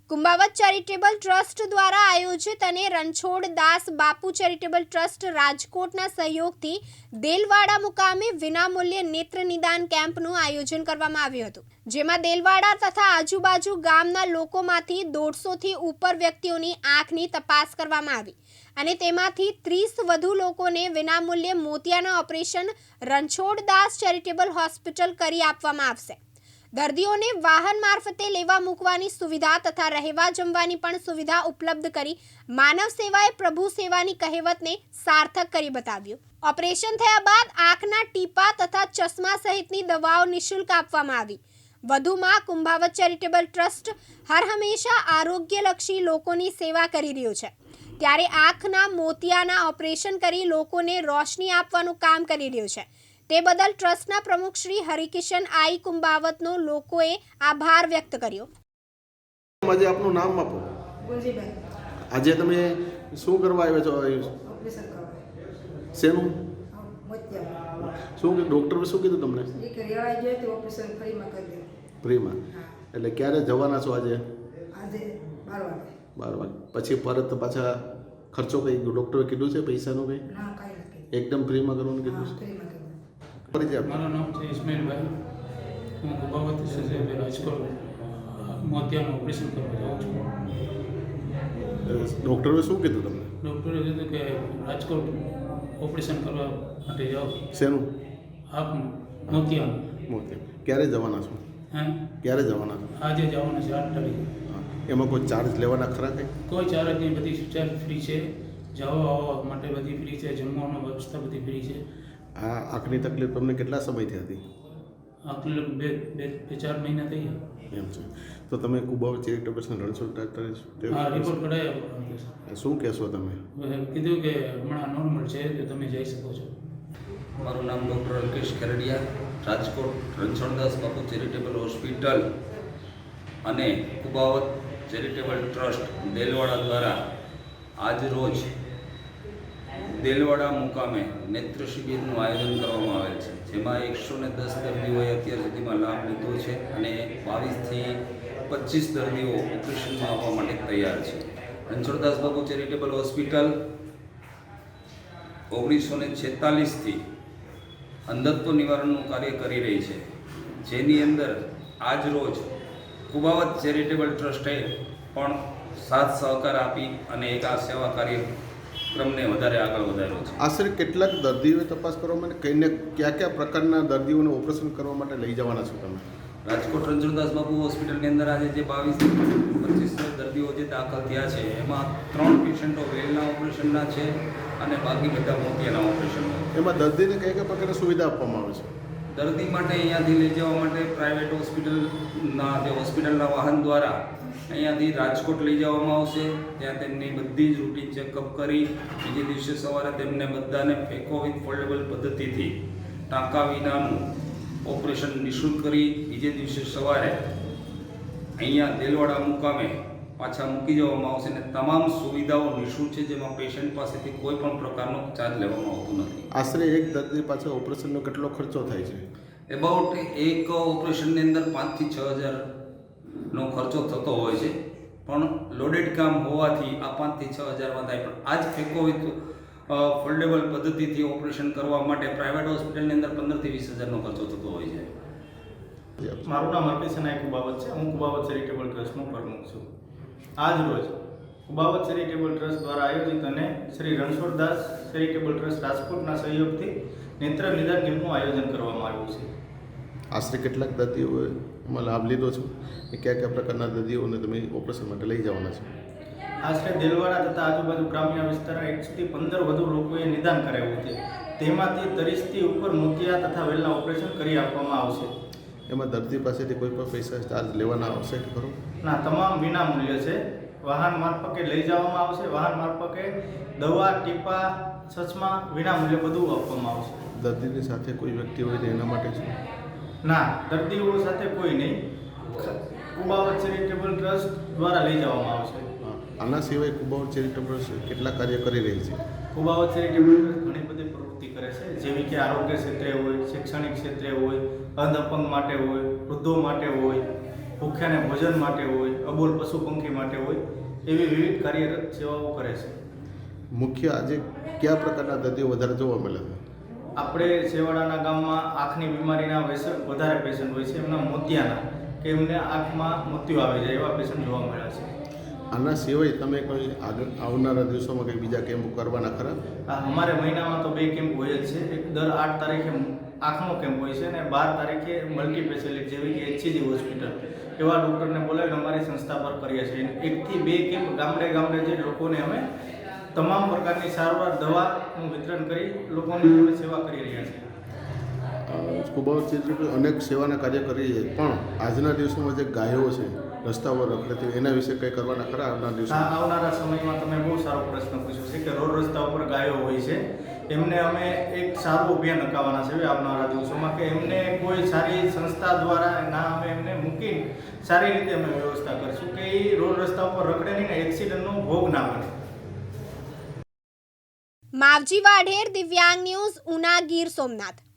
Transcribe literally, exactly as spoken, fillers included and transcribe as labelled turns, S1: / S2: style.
S1: કુંભાવત charitable trust દ્વારા આયોજિત અને રણછોડ દાસ બાપુ ચેરિટેબલ ટ્રસ્ટ રાજકોટના સહયોગથી દેલવાડા મુકામે વિનામૂલ્યે નેત્ર નિદાન કેમ્પનું આયોજન કરવામાં આવ્યું હતું, જેમાં દેલવાડા તથા આજુબાજુ ગામના લોકોમાંથી દોઢસોથી ઉપર વ્યક્તિઓની આંખની તપાસ કરવામાં આવી અને તેમાંથી ત્રીસ વધુ લોકોને વિનામૂલ્યે મોતિયાના operation Ranchhoddas charitable hospital કરી આપવામાં આવશે। દર્દીઓને વાહન મારફતે લેવા મૂકવાની સુવિધા તથા રહેવા જમવાની પણ સુવિધા ઉપલબ્ધ કરી માનવ સેવાએ પ્રભુ સેવાની કહેવતને સાર્થક કરી બતાવ્યું। ઓપરેશન થયા બાદ આંખના ટીપા તથા ચશ્મા સહિતની દવાઓ નિઃશુલ્ક આપવામાં આવી। વધુમાં કુંભાવત ચેરિટેબલ ટ્રસ્ટ હર હંમેશા આરોગ્યલક્ષી લોકોની સેવા કરી રહ્યું છે, ત્યારે આંખના મોતિયાના ઓપરેશન કરી લોકોને રોશની આપવાનું કામ કરી રહ્યું છે। તે બદલ ટ્રસ્ટના પ્રમુખ શ્રી હરિકિશન આઈ કુંભાવતનો લોકોએ આભાર વ્યક્ત કર્યો।
S2: આજે આપનું નામ આપો।
S3: ગુંજીભાઈ।
S2: આજે તમે શું કરવા આવ્યા છો?
S3: ઓપરેશન કરવા।
S2: શેનું?
S3: મોતિયા।
S2: શું કે ડૉક્ટરે શું કીધું તમને?
S3: એ કે રેવાઈ જાય તો ઓપરેશન ફ્રીમાં કરી દે।
S2: ફ્રીમાં? એટલે ક્યારે જવાના છો આજે?
S3: આજે બાર વાગે।
S2: બાર વાગે પછી પરત પાછા ખર્ચો કંઈ ડૉક્ટરે કીધું છે પૈસાનું કંઈ?
S3: ના, કાંઈ નથી।
S2: એકદમ ફ્રીમાં કરવાનું કીધું છે?
S3: ફ્રીમાં કરી
S4: મારું નામ છે ઇસ્માઇલભાઈ। હું કુંભાવત છે રાજકોટ મોતિયાનું ઓપરેશન કરવા જાઉં છું।
S2: ડૉક્ટરે શું કીધું તમને?
S4: ડૉક્ટરે કીધું કે રાજકોટ ઓપરેશન કરવા માટે જાઓ।
S2: શેનું?
S4: આપનું મોતિયાનું।
S2: મોતિયા ક્યારે જવાના છો?
S4: હે
S2: ક્યારે જવાના છો?
S4: આજે જવાનું છે આઠ તારીખે।
S2: હા, એમાં કોઈ ચાર્જ લેવાના ખરા કંઈ?
S4: કોઈ ચાર્જ નહીં, બધી ચાર્જ ફ્રી છે। જવા આવવા માટે બધી ફ્રી છે, જમવાની વ્યવસ્થા બધી ફ્રી છે।
S2: આ આંખની તકલીફ તમને કેટલા સમયથી હતી?
S4: આટલે બે બે બે ચાર મહિના થઈ ગયા।
S2: એમ છે તો તમે કુંભાવત ચેરિટેબલ રણછોડ
S4: હા,
S2: ડાક્ટરે
S4: રિપોર્ટ કઢાવ્યો।
S2: શું કહેશો તમે?
S4: કીધું કે હમણાં નોર્મલ છે તો તમે જઈ શકો છો।
S5: મારું નામ doctor Alkesh Khardiya, Rajkot Ranchhoddas Bapu charitable hospital અને કુંભાવત ચેરિટેબલ ટ્રસ્ટ દેલવાડા દ્વારા આજ રોજ દેલવાડા મુકામે નેત્ર શિબિરનું આયોજન કરવામાં આવેલ છે, જેમાં એકસો ને દસ દર્દીઓએ અત્યાર સુધીમાં લાભ લીધો છે અને બાવીસથી પચીસ દર્દીઓ ઓપરેશનમાં આવવા માટે તૈયાર છે। રણછોડદાસ બાપુ ચેરિટેબલ હોસ્પિટલ ઓગણીસો ને છેતાલીસથી અંધત્વ નિવારણનું કાર્ય કરી રહી છે, જેની અંદર આજ રોજ કુંભાવત ચેરિટેબલ ટ્રસ્ટે પણ સાથ સહકાર આપી અને એક આ સેવા કાર્યક્રમને વધારે આગળ વધાર્યો છે।
S2: આશરે કેટલાક દર્દીઓએ તપાસ કરવા માટે કઈને કયા કયા પ્રકારના દર્દીઓને ઓપરેશન કરવા માટે લઈ જવાના છો તમે?
S5: રાજકોટ રણછોડદાસ બાપુ હોસ્પિટલની અંદર આજે જે બાવીસ પચીસ દર્દીઓ જે દાખલ થયા છે, એમાં ત્રણ પેશન્ટો વેલના ઓપરેશનના છે અને બાકી બધા મોતિયાના ઓપરેશનના।
S2: એમાં દર્દીને કઈ કઈ પ્રકારની સુવિધા આપવામાં આવે છે?
S5: દર્દી માટે અહીંયાથી લઈ જવા માટે પ્રાઇવેટ હોસ્પિટલના જે હોસ્પિટલના વાહન દ્વારા અહીંયાથી રાજકોટ લઈ જવામાં આવશે, ત્યાં તેમની બધી જ રૂટીન ચેકઅપ કરી બીજે દિવસે સવારે તેમને બધાને ફેકો વિથ ફોલ્ડેબલ પદ્ધતિથી ટાંકા વિનાનું ઓપરેશન નિઃશુલ્ક કરી બીજે દિવસે સવારે અહીંયા દેલવાડા મુકામે પાછા મૂકી જવામાં આવશે અને તમામ સુવિધાઓ નિઃશુલ્ક છે, જેમાં પેશન્ટ પાસેથી કોઈ પણ પ્રકારનો ચાર્જ લેવામાં આવતો નથી।
S2: આશરે એક દર્દી પાછળ ઓપરેશનનો કેટલો ખર્ચો થાય છે?
S5: એબાઉટ એક ઓપરેશનની અંદર પાંચથી છ હજારનો ખર્ચો થતો હોય છે, પણ લોડેડ કામ હોવાથી આ પાંચથી છ હજારમાં થાય, પણ આ જ ફેકો વિથ ફોલ્ડેબલ પદ્ધતિથી ઓપરેશન કરવા માટે પ્રાઇવેટ હોસ્પિટલની અંદર પંદરથી વીસ હજારનો ખર્ચો થતો હોય છે।
S6: મારું નામ હરકિશન આઈ કુંભાવત છે। હું કુંભાવત ચેરિટેબલ ટ્રસ્ટનો પ્રમુખ છું। આજ રોજ કુંભાવત ચેરિટેબલ ટ્રસ્ટ દ્વારા આયોજિત અને શ્રી રણછોડદાસ ચેરિટેબલ ટ્રસ્ટ રાજકોટના સહયોગથી નેત્ર નિદાન કેમ્પનું આયોજન કરવામાં આવ્યું છે।
S2: આશરે કેટલાક દર્દીઓએ એમાં લાભ લીધો છે? એ કયા કયા પ્રકારના દર્દીઓને તમે ઓપરેશન માટે લઈ જવાના છો?
S6: આશરે દેલવાડા તથા આજુબાજુ ગ્રામ્ય વિસ્તારના એકથી પંદર વધુ લોકોએ નિદાન કરાવ્યું છે, તેમાંથી ત્રીસથી ઉપર મોતિયા તથા વેલના ઓપરેશન કરી આપવામાં આવશે।
S2: એમાં દર્દી પાસેથી કોઈ પણ પૈસા ચાર્જ લેવાના આવશે કે ખરો?
S6: ના, તમામ વિના મૂલ્ય છે। વાહન મારફતે લઈ જવામાં આવશે, વાહન મારફતે દવા ટીપા ચશ્મા વિના મૂલ્યે બધું આપવામાં આવશે।
S2: દર્દીની સાથે કોઈ વ્યક્તિ હોય તો એના માટે છે?
S6: ના, દર્દીઓ સાથે કોઈ નહીં, કુંભાવત ચેરિટેબલ ટ્રસ્ટ દ્વારા લઈ જવામાં આવશે।
S2: આના સિવાય કુંભાવત ચેરિટેબલ કેટલા કાર્ય કરી રહી છે?
S6: કુંભાવત ચેરિટેબલ ટ્રસ્ટ ઘણી બધી પ્રવૃત્તિ કરે છે, જેવી કે આરોગ્ય ક્ષેત્રે હોય, શૈક્ષણિક ક્ષેત્રે હોય, અંધ અપંગ માટે હોય, વૃદ્ધો માટે હોય, ભૂખ્યાને ભોજન માટે હોય, અબોલ પશુ પંખી માટે હોય એવી વિવિધ કાર્યરત સેવાઓ કરે છે.
S2: મુખ્ય આજે કયા પ્રકારના દર્દીઓ વધારે જોવા મળે છે?
S6: આપણે છેવાડાના ગામમાં આંખની બીમારીના પેશન્ટ વધારે પેશન્ટ હોય છે, એમના મોતિયાના કે એમને આંખમાં મોતિયો આવી જાય એવા પેશન્ટ જોવા મળ્યા છે.
S2: આના સિવાય તમે કોઈ આગળ આવનારા દિવસોમાં કંઈ બીજા કેમ્પ કરવાના ખરા?
S6: આ અમારે મહિનામાં તો બે કેમ્પ હોય જ છે. એક દર આઠ તારીખે આંખનો કેમ્પ હોય છે અને બાર તારીખે મલ્ટી સ્પેશિયાલિટી જેવી કે એચસીજી હોસ્પિટલ એવા ડૉક્ટરને બોલાવીને અમારી સંસ્થા પર કરીએ છીએ. એકથી બે કેમ્પ ગામડે ગામડે જે લોકોને અમે તમામ પ્રકારની સારવાર દવાનું વિતરણ કરી લોકોની જોડે સેવા કરી રહ્યા છીએ.
S2: સ્કૂબા ચેરિટેબલ અનેક સેવાના કાર્ય કરી છે, પણ આજના દિવસોમાં જે ગાયો છે રસ્તા પર રખડતી એના વિશે કંઈ કરવાના ખરા આવનારા દિવસો?
S6: આ આવનારા સમયમાં તમે બહુ સારો પ્રશ્ન પૂછ્યો છે કે રોડ રસ્તા ઉપર ગાયો હોય છે, એમને અમે એક સારું અભિયાન નકાવવાના છે આવનારા દિવસોમાં કે એમને કોઈ સારી સંસ્થા દ્વારા ના અમે એમને મૂકી સારી રીતે અમે વ્યવસ્થા કરીશું કે એ રોડ રસ્તા ઉપર રખડે નહીં ને એક્સિડન્ટનો ભોગ ના બને.
S1: માવજી વાઢેર, દિવ્યાંગ ન્યૂઝ, ઉના, ગીર સોમનાથ.